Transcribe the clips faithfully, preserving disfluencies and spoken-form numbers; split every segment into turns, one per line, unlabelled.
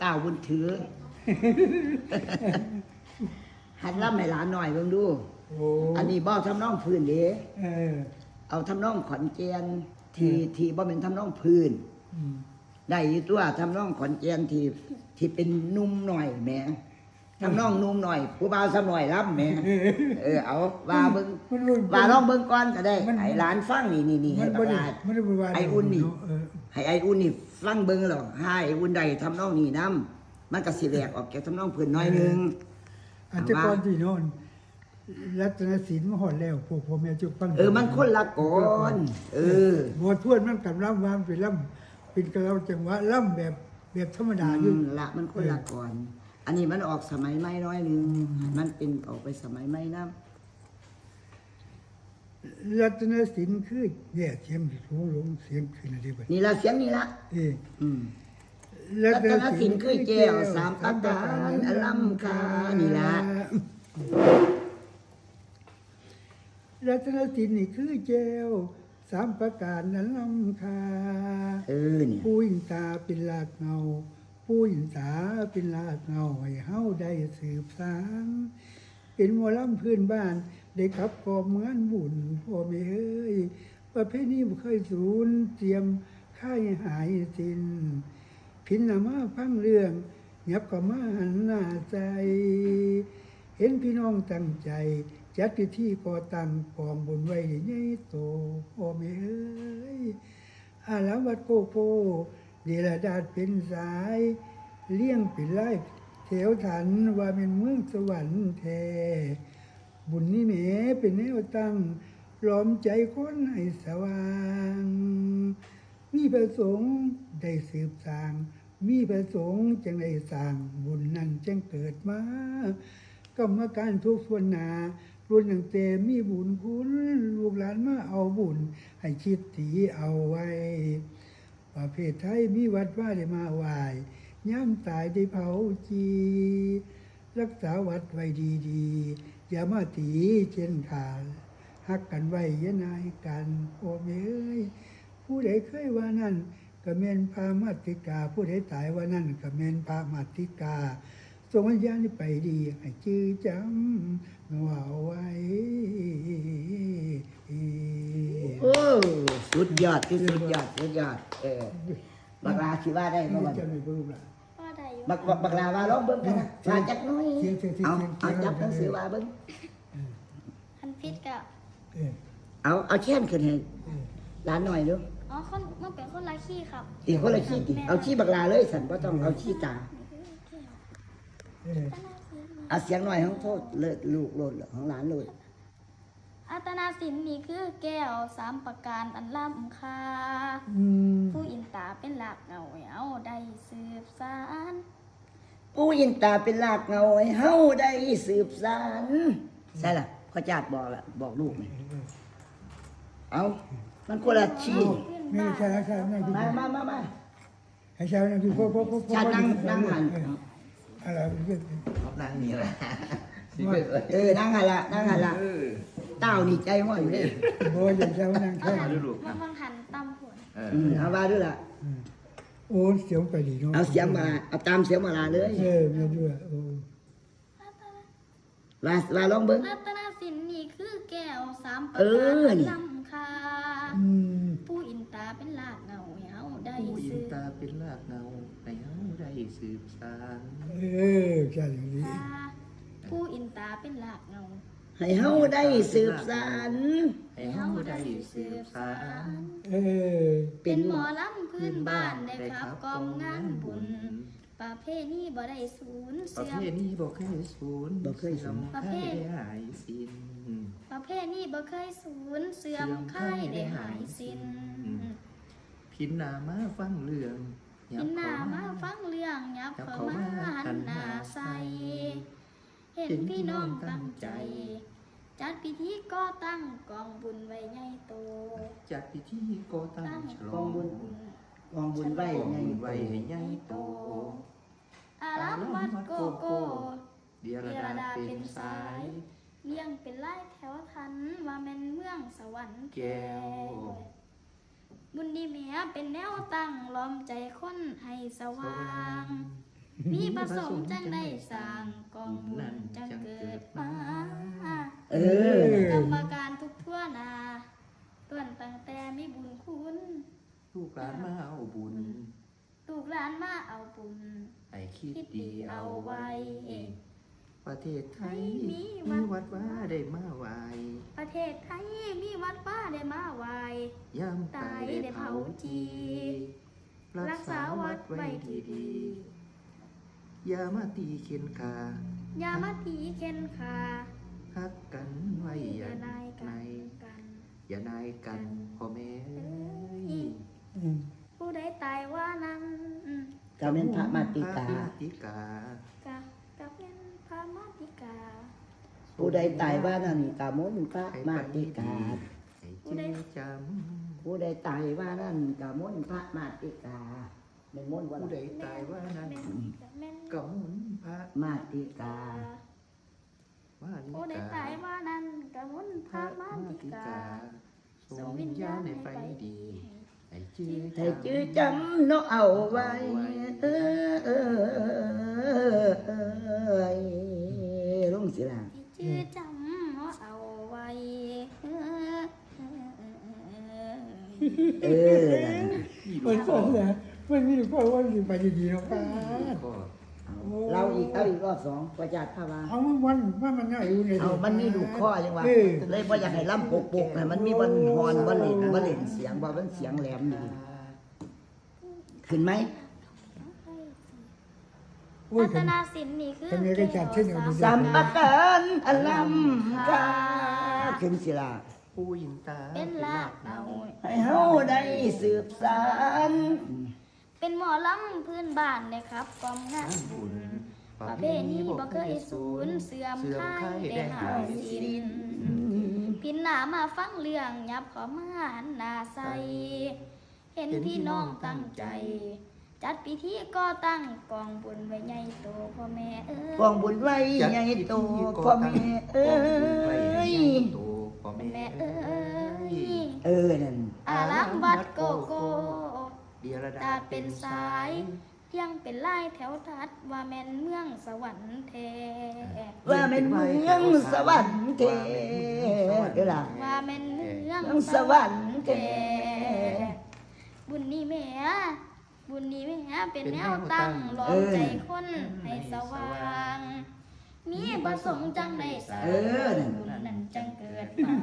ก้าวบุญถือ หัดล่ำให้หลานหน่อยเบิ่งดูอันนี้บ่ทำนองพื้นเด้เอาทำนองขอนแก่นที่ที่บ่เป็นทำนองพื้นได้อยู่ตัวทำนองขอนแก่นที่ที่เป็นนุ่มหน่อยแหมทำนองนุ่มหน่อยผู้บ่าวสำหน่อยล่ำแหมเออเอาว่าเบิ่งว่าลองเบิ่งก่อนก็ได้ให้หลานฟังนี่นี่นี่ให้ประกาศไอ้อุ่นนี่ให้ไอ้อุ่นนี่ฟังเบิ่งหรอกให้ไอ้อุ่นได้ทำนองนี่นำมันก็สิแหลกออกจากทำนองพื้นน้อยนึง
อันจะก่อนที่โน่นรัตนศิลป์มาหอดแล้วพวกพ่อแม่จุกฟัง
เออมันคนละก่อนเออบ
ททวนมันกับล่ำวางเป็นล่ำเป็นกระเราจังหวะล่ำแบบแบบธรรมดาอยู่
ละมันคนละก่อนอันนี้มันออกสมัยใหม่น้อยนึงมันเป็นออกไปสมัยใหม่นะ
รัตนศิลป์คือแย่เสียงสูงลงเสียงขึ้นอะไรแบบ
นี่ละเสียงนี่ละ
เออ
อืมรัตนศิลป์คือแก้วสามประการอลัมคานี่ละ
รัตนศิลป์นี่คือแก้วสามประการอลัมคา
เออเนี่ย
ผู้อินตาเป็นลากเงาผู้อินตาเป็นลากเงาให้เฮาได้สืบสานเป็นหมอลำพื้นบ้านได้ขับกอบเหมือนบุญพ่อแม่เอ้ยประเภทนี้บ่เคยสูญเตรียมค่ายหายสิ้นพินนามาฟังเรื่องยับก็มาหันหน้าใจเห็นพี่น้องตั้งใจจัดพิธีก่อตั้งกองบุญไว้ใหญ่โตพ่อแม่เอ้ยอาลาวัดโกโกเดลดาดเป็นสายเลี้ยงเป็นไล่แถวถันว่าเป็นเมืองสวรรค์แท้บุญนี้แหมเป็นแนวตั้งล้อมใจคนให้สว่างมีประสงค์ได้สืบสร้างมีประสงค์จังได้สร้างบุญนั้นจังเกิดมากรรมการทุกส่วนหนารุ่นอย่างเตมีบุญคุณลูกหลานมาเอาบุญให้คิดถีเอาไว้ประเภทไทยมีวัดว่าได้มาไหว้ย่ำตายได้เผาจีรักษาวัดไว้ดีๆอย่ามาตีเช่นขาดฮักกันไว้ยะนายกันโอ้เอ้ยผู้ใดเคยว่านั่นก็เมนพามาติกาผู้ใดตายว่านั่นก็เมนพามาติกาส่งวิญญาณไปดีให้ชื่อจำเอาไว้
โอ้สุดยอดที่สุดยอดสุดยอดเออบักลาคิดว่าได้บ่
จะไม่รู้ละ
บักบักลาว่าลองเบิ่งกันนะว่าจักน้อยเอาเอาจับหนังสือว่าเบิ่ง
คันพิษกับ
เอาเอาแค้นขึ้นให้หลานหน่อยดู
อ๋อคนมันเป็นคนละขี้ครับ
อีกคนละขี้ดิเอาขี้บักลาเลยสันบ่ต้องเอาขี้ตาเอาเสียงหน่อยของโทษเลิศลูกโลดของหลานเลย
อัตนาสินนี่คือแก้วสามประการอันล้ำค่าผู้อินตาเป็นหลักเงาเอาได้สืบสาน
ผู้อินตาเป็นหลักเงาให้เฮาได้สืบสานใช่ล่ะพ่อจาดบอกละบอกลูกนี่เอามันคนละชี
ไม่ใช่ใช่ไม่
มามามามา
ให้ชาวนั่งที่พ่อพ่อพ่อ
ชานั่งนั่งหัน
อะไรเรื่อง
นั่งนี่แหละ
เออนั่งหันละนั่งหันละเต้านี่ใจห้อยอยู่เลย
โอ้ยอย่างเช้านั่งแค่
มาดูมันฟังหันตำผล
เอาว่าด้วยล่ะ
โอ้เสียงไปดีเนาะ
เอาเสียงมาเอาตามเสียงมาลาเลย
เออมาด้วยโอ้
ว่าว่าลองเบิ้ง
รัตนศิลป์นี่คือแก้วสามประการล้ำค่าผู้อินตาเป็นลากเงาเฮาได้
สืบผู้อินตาเป็นลากเงาให้เฮาได้สืบสาน
เออใช่อย่างนี้
ผู้อินตาเป็นลากเงา
ให้เฮาได้สืบสาน
ให้เฮาได้สืบสาน
เออ
เป็นหมอลำพื้นบ้านได้ครับกองงานบุญประเพณีบ่ได้สูญเสื่อม
ประเพณีบ่เคยสูญ
บ่เคยสูญ
ประเพณีหายสิ้น
ประเพณีบ่เคยสูญเสื่อมค่ายได้หายสิ้น
พินนามาฟังเรื่อง
พินนามาฟังเรื่องยับเข้ามาหันหน้าใส่เห็นพี่น้องตั้งใจจัดพิธีก่อตั้งกองบุญไว้ใหญ่โต
จัดพิธีก่อตั้งฉลอง
บุญกองบุญไว้ใหญ่
ไว้ให้ใหญ่โต
อารามวัดโกโก้
เดียรดาเป็นสาย
เลี้ยงเป็นไล่แถวทันว่าแม่นเมืองสวรรค์
แก้ว
บุญดีแม่เป็นแนวตั้งล้อมใจคนให้สว่างมีประสงค์จังได้สร้างกองบุญจังเกิดมา
เออ
กรรมการทุกทั่วหนาต้วนตั้งแต่มีบุญคุณ
ลูกหลานมาเอาบุญ
ลูกหลานมาเอาบุญ
ให้คิด
คิด
ดี
ดี
เอา
เอา
ไว้
ไว้
ประเทศไทย
มี
มี
วั
วั
ด
ดว่าได้มาไหว
ประเทศไทยมีวัดป้าได้มาไหว
ย่ำตายได้เผาจีรักษาวัดไว้ดีดีๆอย่ามาตีเข็นขา
อย่ามาตีเข็นขา
ฮักกันไว้อย่า
อย่านายกั
ใน
นกัน
อย่านายกันพ่อแม่เอ้ย
อืม
ผู้ใดตายว่านั้น
ก็เป็นพระมาติกา
พระมาติกา
กับกับเป็นพระมาติกา
ผู้ใดตายว่านั่นกามนพระมาติกา
ให้เจ๊จ
ผู้ใดตายว่านั่นกามนพระมาติกาเป็นมนต์
ำ
ว่า
ผู้ใดตายว่านั้น
แม่นกับแม่น
ก็หมุนพระ
มาติกา
มานิ
ผู้ใด
กา
ตายว่านั้นกับมุนพ
พ
ระ
ระ
มา
มา
ติ
ติ
กา
กาส่งวิญญาณในไฟดีให้เจ๊
ให้จื้อจำเนาะเอาไว้เออเออเออลุงศิลา
ให้ชื่อจำว่าเอาไว้
เออ
มันสอนนะมันมีพ่อว่าสิไปดีๆเนาะป้า
ก็
เราอีกเอาอีกรอบสองประจัดภาวา
เอามันวันว่ามันง่ายอยู่เนี่ย
เอามันมีลูกข้อยังวะ
เออ
เลยบ่อยากให้ล่ำปกปกให้มันมีบันฮอนบันเล่นบันเล่นเสียงบ่มันเสียงแหลมดีขึ้นไหม
โอ้ย
พัฒนาศิลป์นี่คือ
ทำไมได้จัดเช่นเดียวกัน
สัมปทานอลัมกาขึ้นศิลา
ผู้ยินตา
เป็นลากเอา
ให้เฮาได้สืบสาน
เป็นหมอลำพื้นบ้านเลยครับกองงานบุญประเพณีบ่เคยสูญเสื่อมค่ายได้หาสิ้นพินหนามาฟังเรื่องยับเขอมาหันหน้าใสเห็นพี่น้องตั้งใจ จัดพิธีก็ตั้งกองบุญไว้ใหญ่โตพ่อแม่เอ้ย
กองบุญไว้ใหญ่โตพ่อแม่เอ้ย
พ่อแม่
แม่เอ้ย
เออนั่น
อารามวัดโกโก้
เดียรดา
ตาเป็นสายเพียงเป็นลายแถวทัดว่าแม่นเมืองสวรรค์แท้
ว่าเป็นเมืองสวรรค์เทเด้อล่ะ
ว่าแม่นเมือง
เมืองสวรรค์แท้
บุญนี้แม่บุญนี้แม่เป็นแนวตั้งรอมใจคนให้สว่าง มีประสงค์จังได้สร้าง
เออนั่น
บุญนั้นจังเกิดมา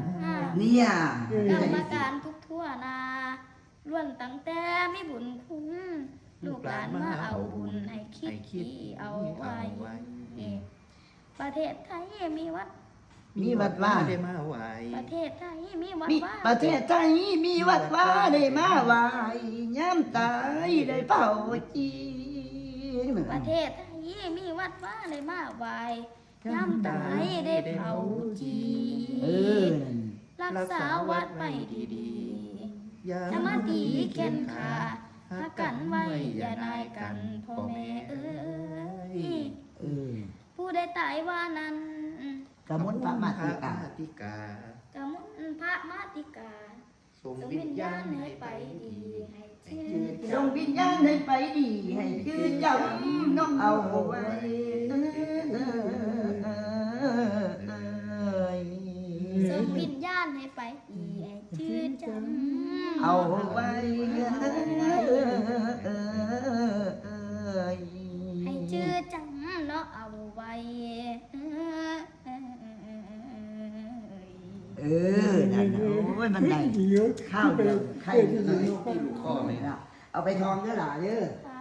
เนี่ย
กรรมการทุกทั่วนาล้วนตั้งแต่มีบุญคุณลูกหลานมาเอาบุญให้คิดดีเอาไว้ ประเทศไทยมีวัด
มีวัดว่า
ได้มาไหว
ประเทศไทยมีวัด
มี
ว่า
ประเทศไทยมีวัดว่าได้มาไหว้ย้ำตายได้เป่าจี
ประเทศไทยมีวัดว่าได้มาไหว้ย่ำตายได้เผาจี
เออ
รักษาวัดไว้ดี
อย่า
ๆจะมาตีเข็นขาหักกันไว้อย่านายกันพ่อแม่เอ้ย
เออ
ผู้ใดตายว่านั้น
กระมุนพระมาติกา
ติกาก
ะมุนพระมาติกา
ส่ง
ส่ง
วิ
วิ
ญ
ญ
ญา
ญา
ณ
ณ
ให้
ให้
ไป
ไป
ดี
ดีให้ชื่อ
ส่งวิญญาณให้ไปดีให้คือจำน้องเอาไว้เอ้ย
ส่งวิญญาณให้ไปดีให้ชื่อจำ
เอาไว้เอ้ย
ให้ชื่อจำเนาะเอาไว้
เออนั่นน่ะโอ้ยมันได้
เดี๋ยว
ข้าวเดียวไข่
เดี๋
เดี
ย
ยว วที่ลูกข้อเลยนะเอาไปทองเด้อหล่ะเด้อ
ค่ะ